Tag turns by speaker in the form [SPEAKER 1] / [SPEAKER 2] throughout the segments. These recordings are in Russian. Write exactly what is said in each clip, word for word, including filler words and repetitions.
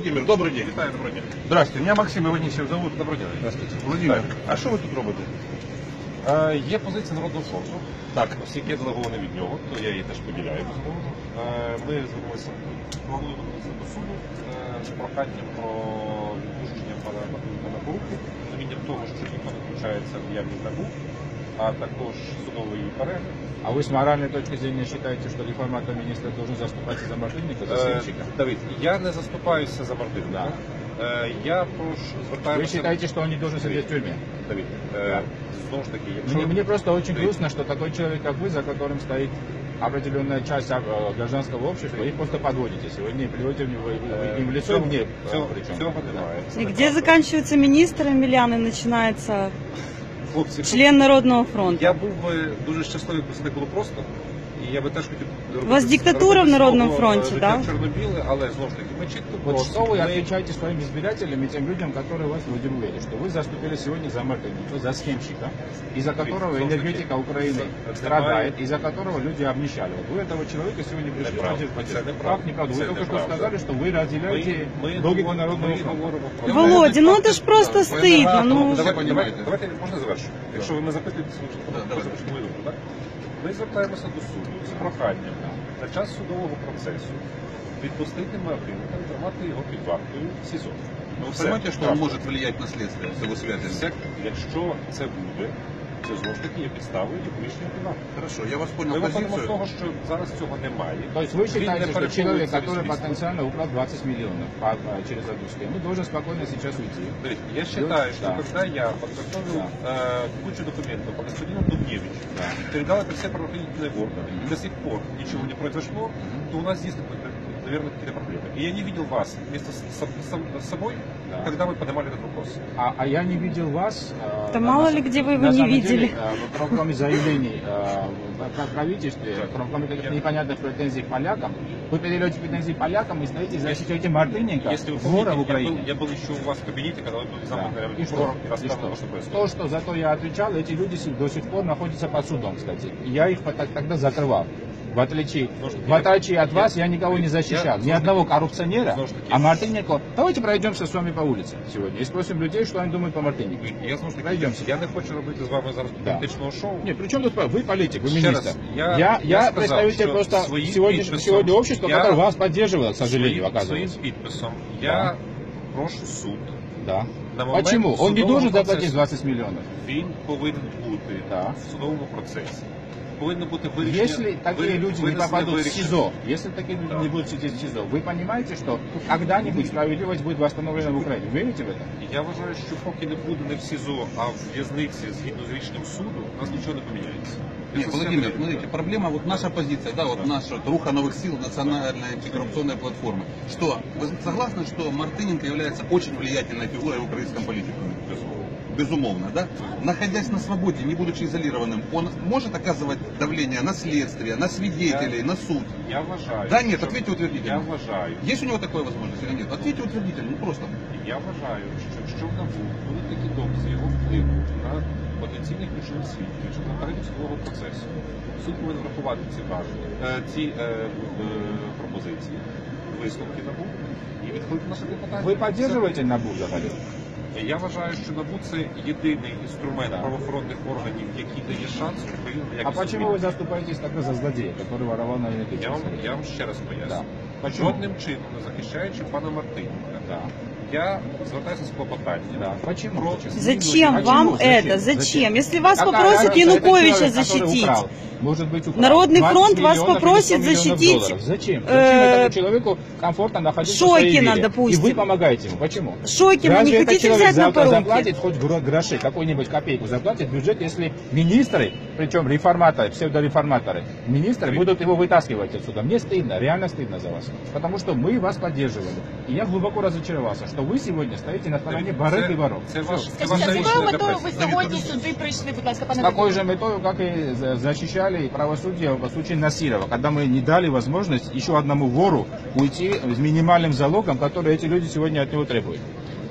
[SPEAKER 1] Владимир, добрый день.
[SPEAKER 2] Витаю, добрый день.
[SPEAKER 1] Здравствуйте, меня Максим Иванісів зовут.
[SPEAKER 2] Добрий день.
[SPEAKER 1] Здравствуйте. Владимир, а що ви тут робите?
[SPEAKER 2] Е, є позиція Народного фронту. Так, оскільки я делегований від нього, то я її теж поділяю, безумовно. Е, ми звернулися, плануємо звернутися до суду е, з проханням про відпущення пана Мартиненка на поруки, розумінням того, що ніхто не включається в діяльність НАБУ, а також судовий перегляд.
[SPEAKER 3] А вы с моральной точки зрения считаете, что реформатор министра должен заступаться за Мартыненко, за Сенчика?
[SPEAKER 2] Е, Давид, я не заступаюся за Мартиненка.
[SPEAKER 3] Да.
[SPEAKER 2] Е, я прошу звертаюся...
[SPEAKER 3] Вы считаете, что он не должен сидеть в тюрьме?
[SPEAKER 2] Давид, е, знову ж таки, якщо...
[SPEAKER 3] Мне, мне просто очень грустно, что такой человек, как вы, за которым стоит определенная часть гражданского общества, их просто подводите сегодня и плюете им в лицо, мне причем.
[SPEAKER 4] И где заканчивается министр Емельян и начинается
[SPEAKER 2] Хлопці,
[SPEAKER 4] член Народного фронту?
[SPEAKER 2] Я був би дуже щасливий, коли це так було просто. І я би теж хотів робити...
[SPEAKER 4] У вас диктатура в Народному фронті,
[SPEAKER 2] да?
[SPEAKER 4] Да?
[SPEAKER 2] Чорнобіле, але знову ж таки, ми чітко
[SPEAKER 3] Вот
[SPEAKER 2] просто...
[SPEAKER 3] что вы
[SPEAKER 2] ми...
[SPEAKER 3] отвечаете своим избирателям и тем людям, которые вас удивили, что вы заступили сегодня за Мартыненко, за схемщика, из-за которого энергетика Украины страдает, из-за которого люди обнищали. Вот вы этого человека сегодня пришли поддержать. Как неправда? Вы только что сказали, что вы разделяете логику Народного фронта.
[SPEAKER 4] Володя, ну это ж просто стыдно. Ну...
[SPEAKER 2] Давайте, давайте, давайте, можна завершити? Якщо ви не запитуєте, так? Ми звертаємося до суду з проханням на час судового процесу відпустити Мартиненка і тримати його під вартою в СІЗО.
[SPEAKER 1] Ну, вы понимаете, что он может влиять на следствие с его связями?
[SPEAKER 2] Якщо це буде, це знову ж таки є підставою для поміщення під варту.
[SPEAKER 1] Хорошо, я вас понял
[SPEAKER 2] Ми виходимо з
[SPEAKER 1] позицию.
[SPEAKER 2] того, що зараз цього немає.
[SPEAKER 3] То есть вы считаете, что человек, который
[SPEAKER 2] потенциально
[SPEAKER 3] потенциально украл двадцать миллионов по- по- через одну схему, должен спокойно сейчас уйти?
[SPEAKER 2] Я считаю, что
[SPEAKER 3] Да.
[SPEAKER 2] когда я подготовил
[SPEAKER 3] Да.
[SPEAKER 2] э, кучу документов по господину Дубневичу,
[SPEAKER 3] Да.
[SPEAKER 2] передал это все правоохранительные органы, и до сих пор ничего не произошло, то у нас действительно, наверное, какие-то проблемы. И я не видел вас вместе с, с- с собой,
[SPEAKER 3] Да.
[SPEAKER 2] когда вы поднимали этот вопрос.
[SPEAKER 3] А, а я не видел вас. э,
[SPEAKER 4] Да
[SPEAKER 3] на-
[SPEAKER 4] мало
[SPEAKER 3] на-
[SPEAKER 4] ли где вы его
[SPEAKER 3] на
[SPEAKER 4] не
[SPEAKER 3] самом
[SPEAKER 4] видели.
[SPEAKER 3] деле, э, кроме- кроме заявлений э, в правительстве, кроме каких-то непонятных претензий к полякам, вы передаете претензии полякам и стоите и защищаете Мартыненко,
[SPEAKER 2] Если вы
[SPEAKER 3] вора в
[SPEAKER 2] помните, я был,
[SPEAKER 3] Украине.
[SPEAKER 2] я был еще у вас в кабинете, когда вы были
[SPEAKER 3] Да.
[SPEAKER 2] замок,
[SPEAKER 3] И что?
[SPEAKER 2] и
[SPEAKER 3] И
[SPEAKER 2] рассказывал,
[SPEAKER 3] что?
[SPEAKER 2] что происходит.
[SPEAKER 3] То, что зато я отвечал, эти люди си- до сих пор находятся под судом, кстати. И я их так- тогда закрывал. В отличие, в отличие от вас, я никого не защищал. Ни одного коррупционера. А Мартыненко... Давайте пройдемся с вами по улице сегодня и спросим людей, что они думают по Мартыненко.
[SPEAKER 2] Я, знову ж таки,
[SPEAKER 3] Пройдемся.
[SPEAKER 2] я не хочу робити з вами зараз
[SPEAKER 3] Да.
[SPEAKER 2] політичного шоу.
[SPEAKER 3] Нет, при чем тут вы политик, вы
[SPEAKER 2] Ще
[SPEAKER 3] министр.
[SPEAKER 2] раз, я-
[SPEAKER 3] я,
[SPEAKER 2] я
[SPEAKER 3] я
[SPEAKER 2] сказал,
[SPEAKER 3] представитель
[SPEAKER 2] что
[SPEAKER 3] просто
[SPEAKER 2] своим
[SPEAKER 3] сегодня,
[SPEAKER 2] підписом
[SPEAKER 3] сегодня общества,
[SPEAKER 2] я-
[SPEAKER 3] которое вас поддерживало, к сожалению,
[SPEAKER 2] Своїм, своїм
[SPEAKER 3] оказывается.
[SPEAKER 2] підписом
[SPEAKER 3] Да.
[SPEAKER 2] я прошу суд.
[SPEAKER 3] Да.
[SPEAKER 2] На момент
[SPEAKER 3] Почему? Он не
[SPEAKER 2] судового
[SPEAKER 3] должен заплатить
[SPEAKER 2] процесу
[SPEAKER 3] двадцать миллионов.
[SPEAKER 2] Він повинен бути
[SPEAKER 3] Да.
[SPEAKER 2] в судовому процесі. Повинно бути вирішення.
[SPEAKER 3] Если такие
[SPEAKER 2] ви-
[SPEAKER 3] люди не
[SPEAKER 2] винесення
[SPEAKER 3] попадут в
[SPEAKER 2] вирішення.
[SPEAKER 3] СИЗО, если такие люди
[SPEAKER 2] Да.
[SPEAKER 3] не будут сидеть в СИЗО, вы понимаете, что когда-нибудь справедливость будет восстановлена в Украине? Верите в это?
[SPEAKER 2] Я вважаю, що поки не буде не в СІЗО, а в в'язниці згідно з рішенням суду, у нас нічого не поміняється.
[SPEAKER 1] Нет,
[SPEAKER 2] Це
[SPEAKER 1] Владимир,
[SPEAKER 2] все-
[SPEAKER 1] смотрите, проблема, вот наша позиция, да, вот наша вот, руха новых сил, национальная антикоррупционная платформа. Что, вы согласны, что Мартыненко является очень влиятельной фигурой в украинском политикуме? Безумовно, да? Находясь на свободе, не будучи изолированным, он может оказывать давление на следствие, на свидетелей,
[SPEAKER 2] Я-
[SPEAKER 1] на суд?
[SPEAKER 2] Я вважаю.
[SPEAKER 1] Да нет,
[SPEAKER 2] що-
[SPEAKER 1] ответьте утвердительно.
[SPEAKER 2] Я вважаю.
[SPEAKER 1] Есть у него такая возможность или нет? Ответьте утвердительно, ну просто.
[SPEAKER 2] Я вважаю, що якщо в НАБУ будуть такі докази його впливу на потенційних ключових свідків, що на переді судового процесу, суд повинен врахувати ці враження, е, ці е, е, пропозиції, висновки НАБУ і відхилити наше клопотання.
[SPEAKER 3] Вы поддерживаете НАБУ, взагалі?
[SPEAKER 2] Я вважаю, що НАБУ це єдиний інструмент правоохоронних органів, який дає шанс Україні на
[SPEAKER 3] А
[SPEAKER 2] якісну
[SPEAKER 3] почему
[SPEAKER 2] зміну.
[SPEAKER 3] вы заступаетесь тогда за злодея, который воровал на энергетике?
[SPEAKER 2] Я вам, я вам ще раз поясню.
[SPEAKER 3] Да. Почему?
[SPEAKER 2] Жодним чином не захищаючи пана Мартиненка,
[SPEAKER 3] Да.
[SPEAKER 2] я звертаюся з клопотанням.
[SPEAKER 3] Да. Почему?
[SPEAKER 2] Про-
[SPEAKER 3] Почему?
[SPEAKER 4] Зачем
[SPEAKER 3] Почему?
[SPEAKER 4] вам
[SPEAKER 3] Зачем?
[SPEAKER 4] это? Зачем? Если вас
[SPEAKER 3] Какая
[SPEAKER 4] попросят
[SPEAKER 3] разница,
[SPEAKER 4] Януковича
[SPEAKER 3] это человек, который
[SPEAKER 4] защитить,
[SPEAKER 3] украл, может быть, украл
[SPEAKER 4] Народный
[SPEAKER 3] двадцать
[SPEAKER 4] фронт вас
[SPEAKER 3] миллионов или
[SPEAKER 4] попросит
[SPEAKER 3] сто миллионов
[SPEAKER 4] защитить,
[SPEAKER 3] долларов. Зачем? Зачем
[SPEAKER 4] э,
[SPEAKER 3] этому человеку комфортно находиться в своей
[SPEAKER 4] Шокина,
[SPEAKER 3] вере?
[SPEAKER 4] допустим.
[SPEAKER 3] И вы помогаете ему. Почему?
[SPEAKER 4] Шокина
[SPEAKER 3] Разве
[SPEAKER 4] не
[SPEAKER 3] этот
[SPEAKER 4] хотите
[SPEAKER 3] человек
[SPEAKER 4] взять на
[SPEAKER 3] завтра
[SPEAKER 4] поруки?
[SPEAKER 3] заплатит хоть гро- гроши, какую-нибудь копейку заплатит в бюджет, если министры, причем реформаторы, псевдореформаторы, министры будут его вытаскивать отсюда? Мне стыдно, реально стыдно за вас. Потому что мы вас поддерживали. И я глубоко разочаровался, что вы сегодня стоите на стороне барыг и воров.
[SPEAKER 2] Це ваш, це
[SPEAKER 5] Скажіть,
[SPEAKER 2] ваше
[SPEAKER 5] з якою
[SPEAKER 2] рішення для
[SPEAKER 5] метою ви
[SPEAKER 2] преси.
[SPEAKER 5] сьогодні сюди прийшли, будь ласка,
[SPEAKER 3] С
[SPEAKER 5] пане
[SPEAKER 3] такой
[SPEAKER 5] Вадиме?
[SPEAKER 3] же метою, как и за- защищали правосудие в случае Насирова, когда мы не дали возможность еще одному вору уйти с минимальным залогом, который эти люди сегодня от него требуют.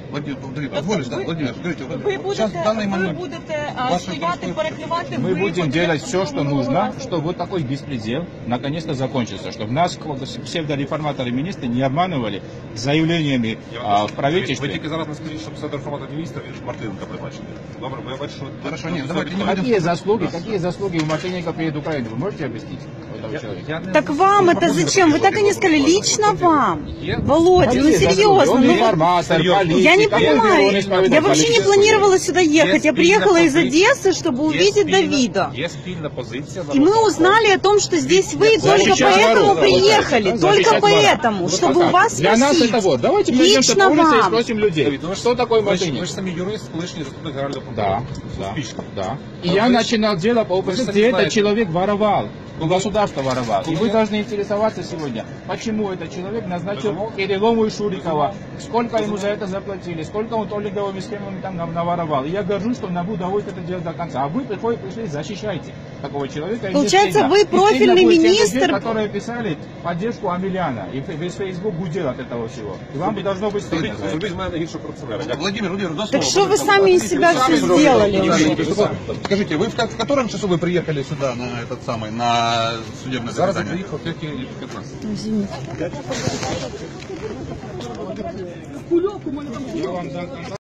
[SPEAKER 1] Владимир, Владимир, позволишь, да? Владимир, скажите,
[SPEAKER 5] Ви
[SPEAKER 1] сейчас
[SPEAKER 5] будете,
[SPEAKER 1] в данный
[SPEAKER 5] ви
[SPEAKER 1] момент
[SPEAKER 5] будете а,
[SPEAKER 1] ваше
[SPEAKER 5] стояти,
[SPEAKER 1] происходит-
[SPEAKER 5] перекривати,
[SPEAKER 3] Мы
[SPEAKER 5] ви
[SPEAKER 3] будем
[SPEAKER 5] будете
[SPEAKER 3] делать все, что нужно,
[SPEAKER 5] контролювати.
[SPEAKER 3] чтобы вот такой беспредел наконец-то закончился, чтобы нас псевдореформаторы министры не обманывали заявлениями
[SPEAKER 2] Я
[SPEAKER 3] а,
[SPEAKER 2] вам
[SPEAKER 3] в
[SPEAKER 2] кажу,
[SPEAKER 3] правительстве.
[SPEAKER 2] Ви тільки зараз не скажіть, що псевдореформатор міністра, він ж Мартиненка призначений. Добре, бо я бачу, що...
[SPEAKER 1] Хорошо,
[SPEAKER 2] що
[SPEAKER 1] ні,
[SPEAKER 2] все
[SPEAKER 1] давайте не
[SPEAKER 2] відбувається.
[SPEAKER 3] Какие заслуги, какие заслуги у Мартыненко перед Украиной? Вы можете объяснить этого
[SPEAKER 2] Я-
[SPEAKER 3] человека?
[SPEAKER 2] я не-
[SPEAKER 4] Так вам это зачем? Вы так и не сказали. Лично вам. Володя, ну
[SPEAKER 3] Какие заслуги?
[SPEAKER 4] серьезно.
[SPEAKER 3] Он
[SPEAKER 4] Ну,
[SPEAKER 3] реформатор,
[SPEAKER 2] Серьезно.
[SPEAKER 3] политик.
[SPEAKER 4] я не
[SPEAKER 3] Какой он
[SPEAKER 4] понимаю.
[SPEAKER 3] исповедует
[SPEAKER 4] Я вообще не
[SPEAKER 3] политическую
[SPEAKER 4] планировала сюда ехать. Я
[SPEAKER 2] Есть
[SPEAKER 4] приехала из
[SPEAKER 2] спільна
[SPEAKER 4] Одессы, чтобы
[SPEAKER 2] Є
[SPEAKER 4] увидеть
[SPEAKER 2] спільна-
[SPEAKER 4] Давида.
[SPEAKER 2] Є спільна позиція.
[SPEAKER 4] И мы
[SPEAKER 2] Народного
[SPEAKER 4] узнали о том, что здесь вы только
[SPEAKER 3] Защищать
[SPEAKER 4] поэтому
[SPEAKER 3] воров,
[SPEAKER 4] приехали.
[SPEAKER 3] да,
[SPEAKER 4] Только
[SPEAKER 3] защищать воров.
[SPEAKER 4] поэтому,
[SPEAKER 3] Вот
[SPEAKER 4] чтобы
[SPEAKER 3] так.
[SPEAKER 4] у вас
[SPEAKER 3] Для нас
[SPEAKER 4] спросить.
[SPEAKER 3] это вот. Давайте пройдемся
[SPEAKER 4] Лично
[SPEAKER 3] по улице и
[SPEAKER 4] вам.
[SPEAKER 3] спросим людей.
[SPEAKER 2] Давид, ну ви ж-
[SPEAKER 3] Что такое
[SPEAKER 2] ви ж, ви
[SPEAKER 3] Мартыненко?
[SPEAKER 2] ж самі юрист, колишній заступник генерального
[SPEAKER 3] Да,
[SPEAKER 2] прокурора.
[SPEAKER 3] да,
[SPEAKER 2] Успішно.
[SPEAKER 3] да. И
[SPEAKER 2] А
[SPEAKER 3] я
[SPEAKER 2] вы-
[SPEAKER 3] начинал дело по
[SPEAKER 2] вы
[SPEAKER 3] опыту,
[SPEAKER 2] сами
[SPEAKER 3] где этот
[SPEAKER 2] знаете.
[SPEAKER 3] человек воровал. У государства воровал. И
[SPEAKER 2] Кому
[SPEAKER 3] вы
[SPEAKER 2] я-
[SPEAKER 3] должны интересоваться сегодня, почему этот человек назначил
[SPEAKER 2] Безумовно.
[SPEAKER 3] Кириллову и Шурикова, сколько ему за это заплатили, сколько он толлинговыми схемами там нам наворовал. И я горжусь, что НАБУ доводит это дело до конца. А вы приходите, пришли, защищайте такого человека. И мне
[SPEAKER 4] Получается,
[SPEAKER 3] стыдно.
[SPEAKER 4] вы
[SPEAKER 3] И стыдно
[SPEAKER 4] профильный
[SPEAKER 3] будет тем
[SPEAKER 4] министр.
[SPEAKER 3] людей, которые писали поддержку Амеляна. И весь Facebook гудел от этого всего. И вам бы должно быть стыдно за это.
[SPEAKER 2] Зробіть з мене гіршого корупціонера. Дякую.
[SPEAKER 1] Владимир, Владимир, до
[SPEAKER 4] Так
[SPEAKER 1] слова.
[SPEAKER 4] что вы
[SPEAKER 1] Пожалуйста,
[SPEAKER 4] сами из
[SPEAKER 1] подождите,
[SPEAKER 4] себя
[SPEAKER 1] вы
[SPEAKER 4] все
[SPEAKER 1] сами
[SPEAKER 4] сделали
[SPEAKER 1] Владимир,
[SPEAKER 4] уже?
[SPEAKER 1] Владимир, Скажите, вы в, ко- в котором часу вы приехали сюда на этот самый, на судебное
[SPEAKER 2] Зараз я
[SPEAKER 1] заседание?
[SPEAKER 2] приїхав тільки п'ятнадцять.
[SPEAKER 4] Извините.
[SPEAKER 3] Я вам дам контакт.